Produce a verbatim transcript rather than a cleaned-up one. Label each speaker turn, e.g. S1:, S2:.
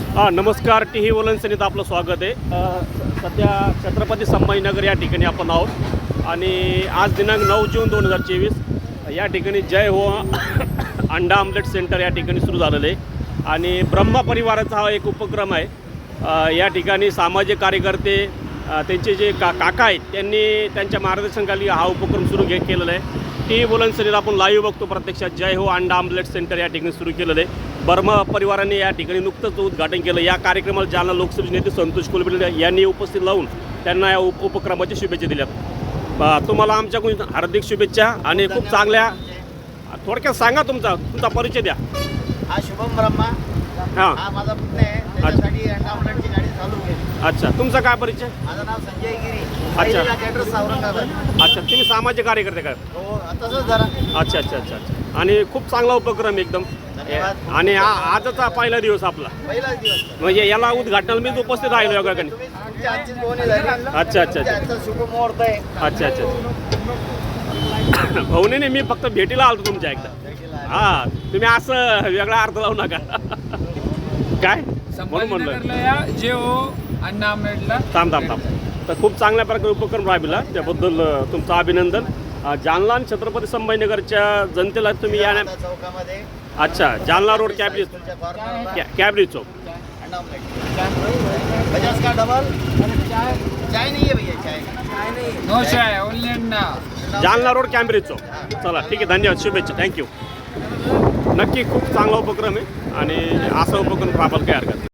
S1: हा नमस्कार. T V वलनसनीत आपलं स्वागत आहे. अ, सध्या छत्रपती संभाजीनगर या ठिकाणी आपण आहोत आणि आज दिनांक नऊ जून दोन हजार चोवीस या ठिकाणी जय हो अंडा आमलेट सेंटर या ठिकाणी सुरू झालेलं आहे आणि ब्रह्मा परिवाराचा हा एक उपक्रम आहे. अ, या ठिकाणी सामाजिक कार्यकर्ते अ, त्यांचे जे का काका आहेत त्यांनी त्यांच्या मार्गदर्शनाखाली हा उपक्रम सुरू घे केलेला आहे. टी व्ही वलनसनीत आपण लाईव्ह बघतो प्रत्यक्षात जय हो अंडा आमलेट सेंटर या ठिकाणी सुरू केलेलं आहे. ब्रह्मा परिवाराने या ठिकाणी नुकतंच उद्घाटन केलं. या कार्यक्रमाला जालना लोकसभेचे नेते संतोष कुलकर्णी यांनी उपस्थित लावून त्यांना या उप उपक्रमाच्या शुभेच्छा दिल्यात. तुम्हाला आमच्याकडून हार्दिक शुभेच्छा आणि खूप चांगल्या. थोडक्यात सांगा तुमचा तुमचा परिचय द्या.
S2: हा शुभम ब्रह्मा,
S1: हां
S2: हा माझा पुतण्या आहे. त्याच्यासाठी अंडा आमलेटची गाडी चालू केली.
S1: अच्छा, तुमचा काय परिचय?
S2: माझं नाव संजय गिरी,
S1: अच्छा.
S2: ॲड्रेस औरंगाबाद.
S1: अच्छा, तुम्ही सामाजिक कार्यकर्ते काय?
S2: हो तसंच जरा.
S1: अच्छा अच्छा अच्छा अच्छा. आणि खूप चांगला उपक्रम एकदम.
S2: धन्यवाद.
S1: आणि आ आजचा पहिला दिवस आपला
S2: पहिलाच दिवस.
S1: म्हणजे याला उद्घाटनाला मीच उपस्थित राहिलो या ठिकाणी.
S2: तुम्ही तुमच्या आजची बोहणी झाली.
S1: अच्छा अच्छा अच्छा
S2: आजचा शुभ मुहूर्त आहे.
S1: अच्छा अच्छा अच्छा. भाऊने मी फक्त भेटीला आलतो तुमच्या एकदा. हा, तुम्ही असं वेगळा अर्थ लावू नका. काय म्हणून म्हणलं
S3: संभाजीनगरला या जे हो अण्णा आमलेटला.
S1: थांब थांब थांब. तर खूप चांगल्या प्रकारे उपक्रम राबविला त्याबद्दल अ, तुमचं अभिनंदन. अ, जालना आणि छत्रपती संभाजीनगरच्या जनतेला तुम्ही या
S2: आता चौकामध्ये
S1: अच्छा जालना रोड कॅबरी
S2: तुमच्या कॉर्नरला
S1: कॅ कॅबरी चौक.
S2: अंडा आमलेट. पचास का डबल चाय नहीं है भैया, चाय नहीं.
S3: No chai only Anna.
S1: Jalna road Cambridge Chowk. चला ठीक आहे, धन्यवाद, शुभेच्छा, थँक्यू. नक्की खूप चांगला उपक्रम आहे आणि असा उपक्रम राबायला काही हरकत नाही.